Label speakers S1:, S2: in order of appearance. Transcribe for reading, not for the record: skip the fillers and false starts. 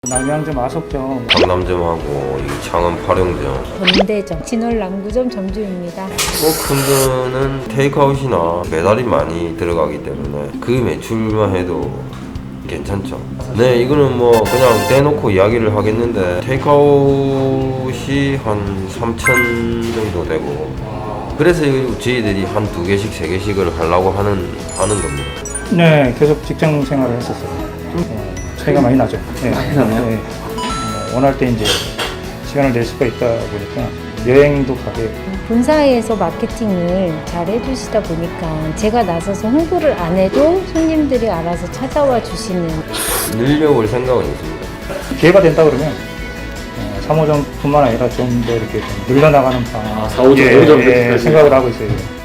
S1: 남양점, 아속점,
S2: 강남점하고 이 창원 파령점.
S3: 건대점, 진월남구점 점주입니다.
S2: 큰 거는 테이크아웃이나 배달이 많이 들어가기 때문에 그 매출만 해도 괜찮죠. 네, 이거는 뭐 그냥 대놓고 이야기를 하겠는데 테이크아웃이 한 3천 정도 되고, 그래서 저희들이 한 2개씩 3개씩을 하려고 하는 겁니다.
S1: 네, 계속 직장 생활을 했었어요. 차이가 많이 나죠. 네.
S4: 많이 나나요?
S1: 네. 원할 때 이제 시간을 낼 수가 있다 보니까 여행도 가게.
S3: 본사에서 마케팅을 잘 해주시다 보니까 제가 나서서 홍보를 안 해도 손님들이 알아서 찾아와 주시는.
S2: 늘려올 생각은 있습니다.
S1: 기회가 된다 그러면 3호점뿐만 아니라 좀 더 이렇게 좀 늘려나가는 방
S4: 4호점, 5호점
S1: 생각을 하고 있어요.